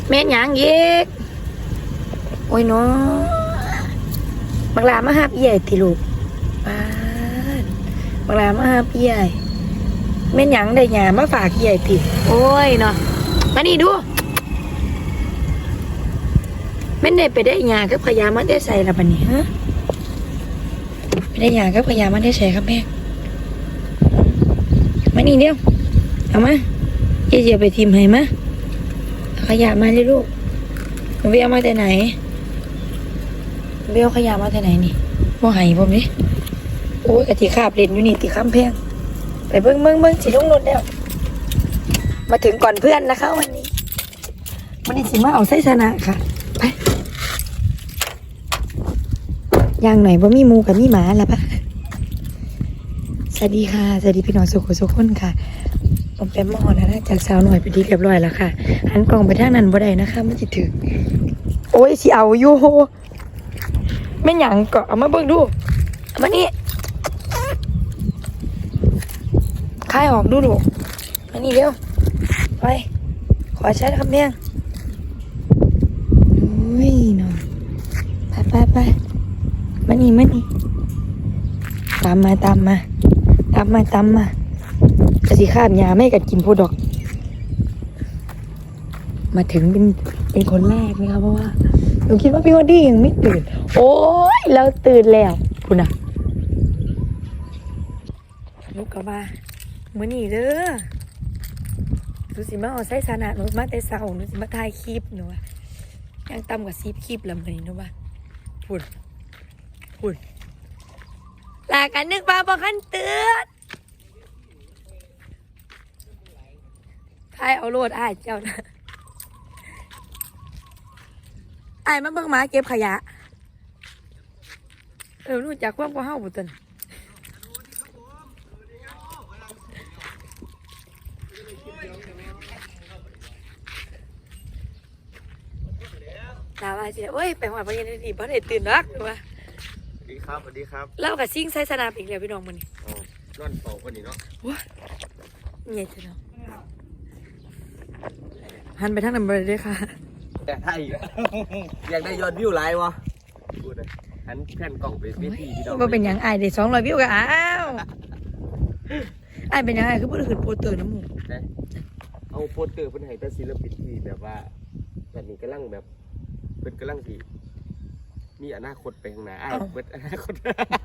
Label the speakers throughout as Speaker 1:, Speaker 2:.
Speaker 1: แม่นหยังอีกโอ้ยเนาะบักลามาหาพี่ใหญ่ติลูกป้าดบักลามาหาพี่ใหญ่แม่นหยังได้หยามาฝากพี่ใหญ่ติโอ้ยเนาะมานี่ดูแม่นได้ไปได้หยากับพญามันได้ใส่ละบัดนี้ฮะไปได้หยากับพญามันได้ใส่ครับแม่มานี่เดียวเอามาเยี่ยไปทีมให้มาขยะมาเลยลูกเบี้ยมาแต่ไหนเบี้ยขยะมาแต่ไหนนี่ว่าไห้ผมนี่โอ้ยกะทิขาบเล่นอยู่นี่ติข้ามแพงไปเบิ้งสิลงรถแล้วมาถึงก่อนเพื่อนนะคะวันนี้สิมาเอาไส้ชนะค่ะไปย่างหน่อยว่ามีหมูกับมีหมาละปะสวัสดีค่ะสวัสดีพี่น้องสุขคนค่ะผมเป็นมอนะจากสาวหน่อยไปดีเรียบร้อยแล้วค่ะหันกล่องไปทางนั้นบ่ได้นะคะมันจะถึงโอ้ยสิเอาอยู่ไม่หยังก็เอามาเบิ่งดูเอามานี่คายออกดูมานี่เร็วไปขอใช้คำเพียงโอ้ยเนาะไปมานี่ตามมาจะสิข้ามยาไม่กัดกินโพดอกมาถึงเป็นคนแรกไหมครับเพราะว่าหนูคิดว่าพี่วอดี้ยังไม่ตื่นโอ้ยแล้วตื่นแล้วคุณน่ะลูกกลับมามื้อนี้เด้อหนูสิมาเอาไส้สานะหนูมาแต่เช้าหนูสิมาถ่ายคลิปหนูว่ายังต่ำกว่า10 คลิปแล้วมื้อนี้หนูว่าพุ่นลากันนึกว่าบ่คันเตือนทายเอาโลดอ้ายเจ้านะอ้ายมาเบิ่งหมาเก็บขยะรู้จักความกว่าเฮาบ่ตันตาว่าสิโอ้ยไปหอดบ่ยังดีบ่ได้ตื่นนักว่า
Speaker 2: สวัสดีครับ
Speaker 1: เล่ากับซิ่งไซสนามอีกแล้วพี่น้องมื้อนี้
Speaker 2: นอนเป่าคนนี้เนาะ
Speaker 1: ว้าใหญ่จังเนาะหันไปทางนั้นบ่ได้เด้อค่ะ
Speaker 2: แต่ถ้าอีกอยากได้ยอดวิวไลฟ์วะพูดเลยหันแผ่นกล่องไปพี่น้อง
Speaker 1: บ่เป็นหยังอ้ายได้200 วิวก็อ้าวอ้ายเป็นหยังอ้ายคือบ่ได้ขึ้นโปสเตอร์น้ำหมู่
Speaker 2: เอาโปสเตอร์เพิ่นให้แต่ศิลปินที่แบบว่าแบบนี้กำลังแบบเพิ่นกำลังสิมีอนาคตไปข้างหน้าอ้ายเบิดอนาคต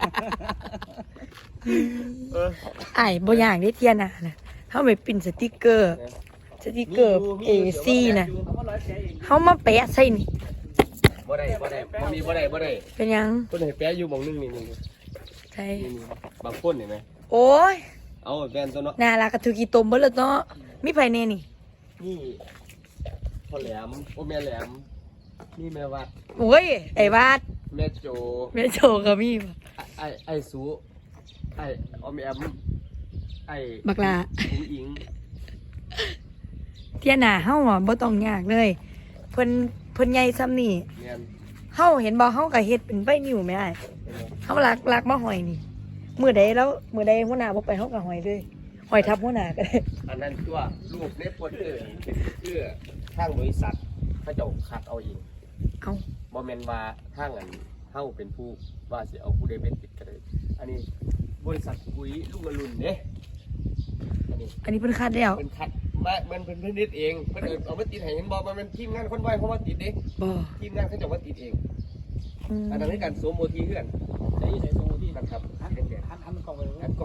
Speaker 1: อ้ายบ่อยากได้เทียน่ะนะเฮาไปปิ้นสติกเกอร์AC น่ะเฮามาแปะใส่นี่
Speaker 2: บ่ได้บ่ได้
Speaker 1: เป็นหยัง
Speaker 2: เพิ่นให้แปะอยู่หม่องนึงนี่
Speaker 1: ใช่
Speaker 2: บางคนเห็นมั้ย
Speaker 1: โอ้ย
Speaker 2: เอาแม่นตัวเนาะ
Speaker 1: น่ารักกะถูกกี่ตมเบิดแล้วเนาะมีไผแน่นี่
Speaker 2: พ่อแหลมโอ้แม่แหลมนี่แม่วัด
Speaker 1: โอ้ยไอ้วาด
Speaker 2: แม่โจ
Speaker 1: ก็มี
Speaker 2: ไอ้สูไอ้ออมแอมไอ้
Speaker 1: บักลา
Speaker 2: อิง
Speaker 1: เทียน่ะเฮาอ่ะบ่ต้องยากเลยเพิ่นใหญ่ซ้ำนี่เฮาเห็นบ่เฮาก็เฮ็ดเป็นใบนิ้วแม่อ้ายเฮาลักมาห้อยนี่มื้อใดหัวหน้าบ่ไปเฮาก็ห้อยเลยห้อยทับหัวหน้าก็ได้
Speaker 2: อันนั้นตัวรูปในโปสเตอร์เป็นเพื่อทางบริษัทเขาจะคัดเอาเองบ่แม่นว่าทางอันเฮาเป็นผู้ว่าสิเอาผู้ใดเป็นติดก็ได้อันนี้บริษัทปุ๋ยลูกอรุณเด้
Speaker 1: อันนี้เพิ่นคัดแล้ว
Speaker 2: เพิ่นคัดมามันเพิ่นนิดเองเพิ่นเอามาติดให้เห็นบ่มันทีมงานคนไว้เพราะว่าติดเด้
Speaker 1: บ่
Speaker 2: ทีมงานเขาจะว่าติดเองอันนั้นคือการโซโมทีเพื่อนใส่โซโมทีกันครับหันกล่องไป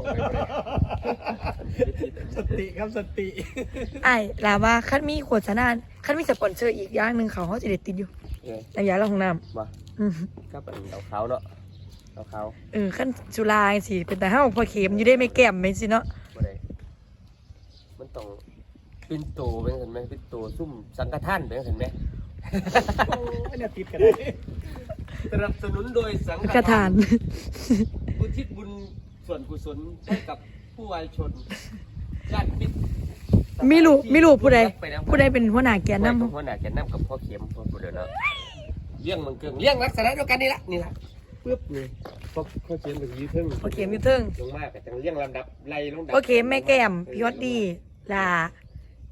Speaker 2: สติครับสติ
Speaker 1: ไอ้ลาว่าคันมีโฆษณาคันมีสปอนเซอร์อีกอย่างนึงเขาสิได้ติดอยู่น้ำยาล้างห้องน้ำ
Speaker 2: บ่ก็เป็นดาวขาวเนาะดาวขาว
Speaker 1: คันจุฬาสิเป็นแต่เฮาพอเข็มอยู่ได้ไม่แก้มแม่นสิเนาะ
Speaker 2: บ่ได้มันต้องปิ่นโตเป็นเห็นมั้ยปิ่นโตซุ่มสังฆทานเป็นเห็นมั้ยโอ้ยเนี่ยติดกันได้สนับสนุนโดยสังฆทานอุทิศบุญส่วนกุศลให้กับผู้วายชนญาติมิตร
Speaker 1: มีลูกผู้ใดเป็นหัวหน้าแกนนำ
Speaker 2: หัวหน้าแกนนำกับพ่อเข็มพ่อผู้เดียวเนาะเลี้ยงมันเกิงเลี้ยงลักษณะเดียวกันนี่ล่ะปึ๊บนี่พ่อเข็มอยู่ที่เทิง
Speaker 1: พ่อเข็มอยู่เทิง
Speaker 2: ลงมาก็จังเลี้ยงลำดับไล่ลงดับ
Speaker 1: พ่อเข็มแม่แก้มพี่ฮอดดีลา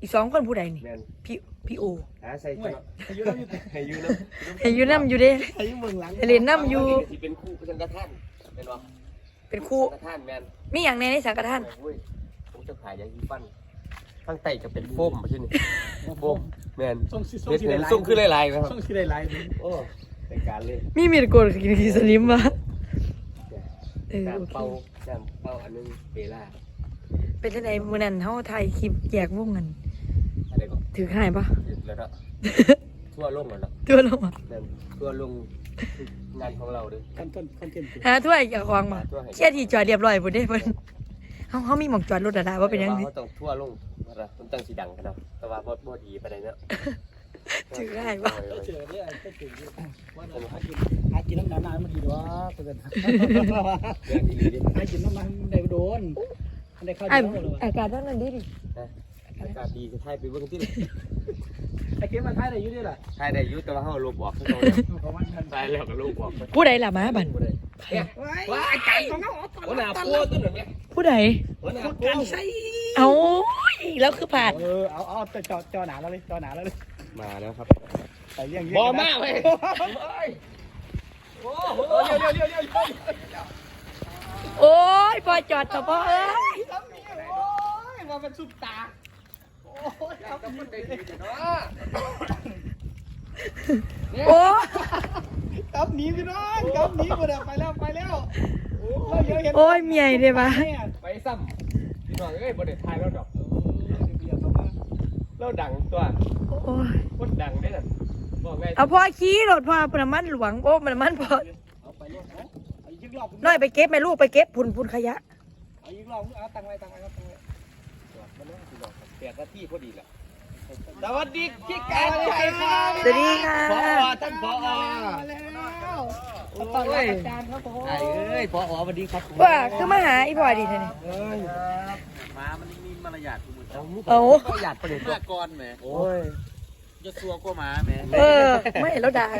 Speaker 1: อีก2คนผู้ใดนี่
Speaker 2: แม่น
Speaker 1: พี่โอ
Speaker 2: หาใส่
Speaker 3: ห่วย
Speaker 2: เนาะ
Speaker 3: อายุเราอยู่
Speaker 2: ให้อยู่เนาะ
Speaker 1: ให้อยู่นํอยู่เด้
Speaker 3: อายุเมืองหลัง
Speaker 1: ให้เล่นนํอยู่
Speaker 2: ที่เป็นคู่สังฆทานเป็นบ่
Speaker 1: เป็นครู
Speaker 2: สังฆทานแม่น
Speaker 1: มีหยังในสังกัดท่าน
Speaker 2: โอ้ยผมจะขายยาสีฟันข้างใต้จะเป็นโฟมใช่ไหมโฟมแม่น
Speaker 3: ส่ง
Speaker 2: เฮ็ด
Speaker 3: สี
Speaker 2: เห็น
Speaker 3: ลาย
Speaker 2: ส่งขึ้นหลายๆนะครับ
Speaker 3: ส่งสีลาย
Speaker 2: โอ้ในการเลย
Speaker 1: มีมีดโกนกินสลิมวะโอ
Speaker 2: น้ำ
Speaker 1: เค
Speaker 2: เป่าน้ำเป่าอันนึงเปล่า
Speaker 1: เป็นจังไดมื้อนั้นเฮาถ่ายคลิปแยกวงกัน
Speaker 2: อะไรก็
Speaker 1: ถือหายปะ
Speaker 2: แล้วก็ทั่วโลกแล้วเนาะ
Speaker 1: ตัวลงอ่ะ
Speaker 2: นั่นทั่วลงงานของเราด้วย
Speaker 3: ๆขั้นต้นขั้นเต็มตัว
Speaker 1: หาถ้วยอย่าควางมาเชี่ยที่จอดเรียบร้อยพุ่นเด้เพิ่นเฮามีหม่องจอดรถดาว่าเป็นยังไง
Speaker 2: เขาต้องทั่วลงนะมันตั้งสีดังกันเนาะแต่ว่าบ่ดีไปไหนเนาะ
Speaker 1: ถือหายปะ
Speaker 3: เจอเนี่ยก็เจอว่าเราหากินน้ำหนาๆมันดีด้วยเพื่อนหากินน้ำมันได้โดนได้ข้าว
Speaker 1: ไอ้
Speaker 3: เดียวเลย
Speaker 1: อากาศนั้นดีดิ
Speaker 2: อากาศดีจะถ่ายไปเบื้องที่
Speaker 3: ไอ้เกมมันท้ายได้อยู่ด้วยล่ะ
Speaker 2: ถ่ายได้ยุแต่ว่าเขาลบออกเขา
Speaker 3: ประมาณนั้น
Speaker 2: ถ่ายแล้วก็ลบออก
Speaker 1: ผู้ใดล่ะมาบัน
Speaker 2: ว้าไก่ของเขาหัวหน้าปัวตัวหนึ่งเนี่ย
Speaker 1: ผู้ใด
Speaker 2: หัวหน้าปัว
Speaker 1: เอาแล้วคือผ่าน
Speaker 3: เอาจอหนาแล้วเลยจอหนาแล้วเลย
Speaker 2: มาแล้วครับ
Speaker 3: ใส่เลี้ยง
Speaker 2: บอมากเลยโอ้โหเดี๋ยว
Speaker 1: โอ้ยพอจอดต่อพ่อเอ้ย
Speaker 3: มาเป็นสุดตาโอ้ยครับมันได้ดีเนาะ
Speaker 1: โอ้
Speaker 3: กับหนีพี่น้องกับหนีหมดอ่ะไปแล้ว
Speaker 1: โอ้ยเมียได้ปะ
Speaker 2: ไปซ้ำพี่น้องเอ้ยบนเด็ดถ่ายแล้วดอกเราดังตัว
Speaker 1: โอ้ย
Speaker 2: คนดังได้น่ะบอกไง
Speaker 1: เอาพ่อขี่รถพ่อน้ำมันหลวงโอ้น้ำมันพอ
Speaker 3: เอาไปลูกเอาอีกรอบ
Speaker 1: น้อยไปเก็บแม่ลูกไปเก็บพุ่นขยะ
Speaker 3: เอาอีกรอบเอาตังไว้ครับตังไว้
Speaker 2: แปดนาทีพอดีแหละสวัสดีพี่แกนใจครับ
Speaker 1: สวัสดีค่ะ
Speaker 2: พอท่านพอ
Speaker 3: มาแล้วตอนอาจารย์ครับผม
Speaker 2: ไอ้เอ้ยพอสวัสดีครับ
Speaker 1: ว่าคือมาหาอีพ่อดีเท่านี่
Speaker 4: มามันมีมารยาทคุณมือ
Speaker 1: เอา
Speaker 2: ประหยัดประเด็น
Speaker 4: หน้าก่อนแหม
Speaker 2: โอ้ย
Speaker 4: จะซัวก็มาแหม
Speaker 1: เออไม่แล้วด่า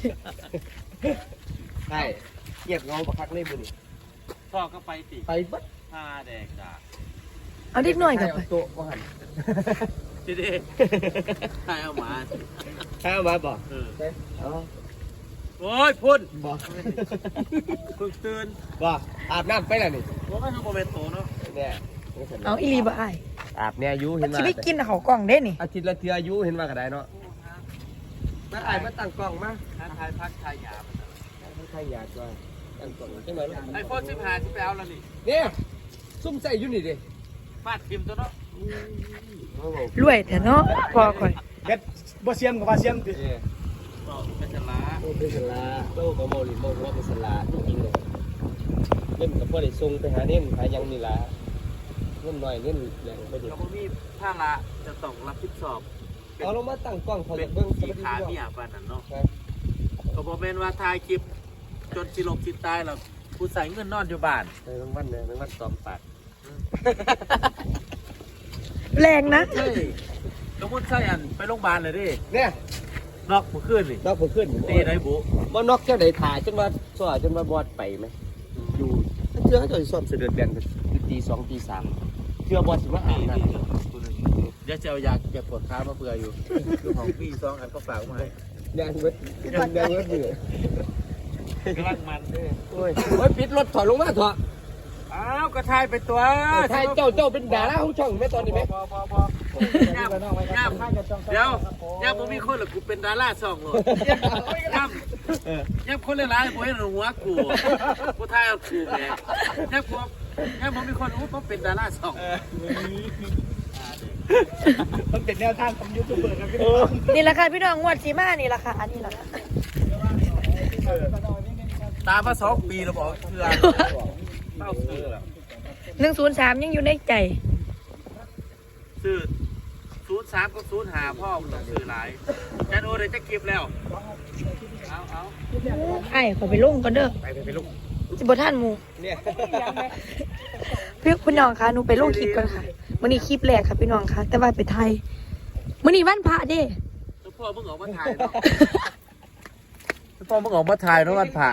Speaker 2: ใช่เงียบเงาประคักเล่มมือนี่
Speaker 4: พ่อก็ไปติ
Speaker 2: ไปบัด
Speaker 4: ผ้าแดกด่า
Speaker 1: เอาเด็กหน่อยกลับไป
Speaker 2: โต๊ะว่าหัน
Speaker 4: ทีเด้ใครเอามา
Speaker 2: ใช่เอามาบอก
Speaker 4: เออ
Speaker 2: อ๋อ
Speaker 4: โอ้ยพุ่น
Speaker 2: บอก
Speaker 4: เพิ่งตื่น
Speaker 2: บอกอาบน้ำไปแล้วนี่
Speaker 4: ว่าไม่ทำโมเมนโตเนาะ
Speaker 2: เนี่ย
Speaker 1: เอาอีหลีบ่อ้าย
Speaker 2: อาบเนี่ยอายุ
Speaker 1: มั
Speaker 2: เห็
Speaker 1: น
Speaker 2: น
Speaker 1: สิ
Speaker 2: ว่า
Speaker 1: ไปกินเขาวกล่องเด้นี่
Speaker 2: อาทิตย์ละเทื่ออายุเห็นว่าก็ได้เนาะมาอ่านมาตั้งกล้องมา
Speaker 4: ท้าทายพักทายหยาบ
Speaker 2: ใครอยากว่าตั้งกล้องจังไหนลูก
Speaker 4: ไอโฟน15ที่ไปเอาแล้วนี่
Speaker 2: เนี่ยซุ่มใส่อยู่นี่ดิ
Speaker 4: ฟาดทิมตัวเนาะ
Speaker 2: โอ้โห
Speaker 1: รวยแต่เนาะพอก่อย
Speaker 3: เบ็ดบ่เสียมกับบ่เสียม
Speaker 2: เนี่ย
Speaker 4: ต่อเป็นชลา
Speaker 2: โอ้เป็นสลาโต้กับโมลิโมว่าเป็นสลาจริงๆเลยเล่นกับพ่อได้ส่งไปหาเน่นหายังนี่ละเล่นหน่อยเล่นแรงไปดิ
Speaker 4: เราก็มีผ้าละจะต้องรับผิดชอบ
Speaker 2: เอาลงมาตั้งกล้องเขา
Speaker 4: เป็
Speaker 2: จะ
Speaker 4: น
Speaker 2: เบิ้ง
Speaker 4: สีขาเมียปานนั้นเนาะก็บอกแม่นว่าถ่ายคลิปจนสิลมสิตายแล้วผู้ใส่เงินนอนอยู่บ้าน
Speaker 2: ในบางวันเนี่ยบางวันซ้อมปาก
Speaker 1: แรงนะ
Speaker 4: เฮ้ยสมมติใส่อันไปโรงพยาบาลเลยดิ
Speaker 2: เนี่ย
Speaker 4: นอกเมื่อคืนนี่
Speaker 2: นอกผมขึ้น
Speaker 4: ตีได้บุ
Speaker 2: ว่านอกเจ้าไหนถ่ายจนว่าซ้อจนว่าบอดไปไหมอยู่เชื่อเขาจะซ้อมเสด็จเบียนตีสองตีสามเชื่อบอดสิว่าอ่านนั่น
Speaker 4: เดี๋ยวจะเอายาแก้ปวดขามาเผื่ออยู่คือของพี่ซองอันก็ฝากมาให้
Speaker 2: แดงเวทแดงเวทเหนื่อย
Speaker 4: กำลังมันเด้อ
Speaker 2: โอ้ยปิดรถถอยลงมาเถอะ
Speaker 4: อ้าวกระทายไปตัว
Speaker 2: ถ่ายเจ้าเป็นดาราของช่องไหมตอนนี้ไหม
Speaker 4: ย่ำเดี๋ยวย่ำผมมีคนหรือกูเป็นดาราซองเลยย่ำคนเล่นร้ายผมเห็นหัวกูกูทายเอากูแหมย่ำผมมีคนรู้ผมเป็นดาราซอง
Speaker 3: มันเป็นแนวทางของยูทูบเบอร์ครับพี่น้อง
Speaker 1: นี่แหละค่ะพี่น้องงวดสีมานี่แหละค่ะอันนี้แหละค่ะ
Speaker 4: ตามมา2 ปีแล้วบอกเชื่อเต้าซื้อแล้ว
Speaker 1: 103ยังอยู่ในใจ
Speaker 4: ซื้อ03กับ05พ่อมึงต้องซื้อหลายจันโอเลยจะเก็บแล้วเอา
Speaker 1: ไอ้ขอไปลงก่อนเด้อ
Speaker 2: ไปลูก
Speaker 1: สิบ่ทันหมู่
Speaker 2: เนี่ย
Speaker 1: พี่น้องคะหนูไปลงคลิปก่อนค่ะมื้อนี้คลิปแรกค่ะพี่น้องคะแต่ว่าไปไทยมื้อนี้วันพระเด้
Speaker 4: แล้วพ่อมึงออกมาถ่ายเนาะพ่อมึงออกมาถ่ายเนาะวันผ่า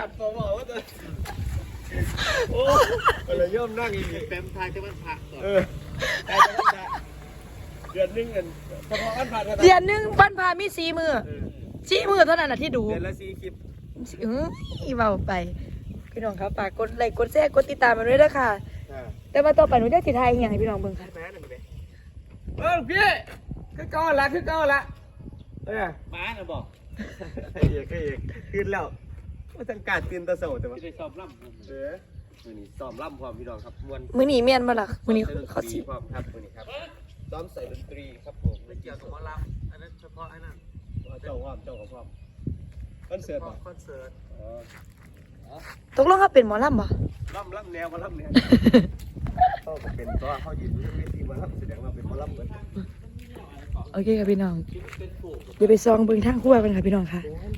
Speaker 2: โอ้เลยย่อมนั่งอีก
Speaker 4: เต็มถ่ายแต่วันผ่าก่อน
Speaker 2: เดือนหนึงเงินเฉพาะอันผ่าน
Speaker 1: เดือนหนึงวันพามี4มื้อ4มื้อเท่านั้นน่ะที่ดู
Speaker 2: เดือนละ4คลิป
Speaker 1: เบาไปพี่น้องครับฝากกดไลค์กดแชร์กดติดตามมาด้วยนะคะแต่ว่าต่อไปหนูจะสิทายอหย่างให้พี่น้องเบิ่งค่ะ
Speaker 2: แม่หนึ่งเลยพี่คือเก่าละ
Speaker 3: มาน่ะบอก
Speaker 2: ให้เอกตื่นแล้วว่าจังการตื่นตะเสาแต่ว่า
Speaker 3: ที่ได้สอบล่ำ
Speaker 2: มื้อนี้ซ้อมล่ำพร้อมพี่น้องครับม่วน
Speaker 1: มื้อนี้แม่นบ่ล่ะมื้อนี้
Speaker 2: ซ้ม
Speaker 1: เขาสิ
Speaker 2: พร้อมครับมื้อนี้ครับซ้อมใส่ดนตรีครับผม
Speaker 4: ไม่เกี่ยวกับหมอลำอันนั้นเฉพาะไอ้นั่น
Speaker 2: เจ้าพร้อมคอนเสิร์ต
Speaker 4: เฉ
Speaker 2: บ่
Speaker 4: พาะคอนเสิร์ต
Speaker 1: ตกลงเขาเป็นหมอลำบ่
Speaker 2: ล่ำแนวมาล่ำแนวเขาก็เป็นตัวเขายืนอยู่ที่เวทีมาล่ำแสดงว่าเป็นมาล่ำเหมือน
Speaker 1: โอเคค่ะพี่น้องเดี๋ยวไปซองเบิ่งทางครัวกันค่ะพี่น้องค่ะ
Speaker 2: โอ้ย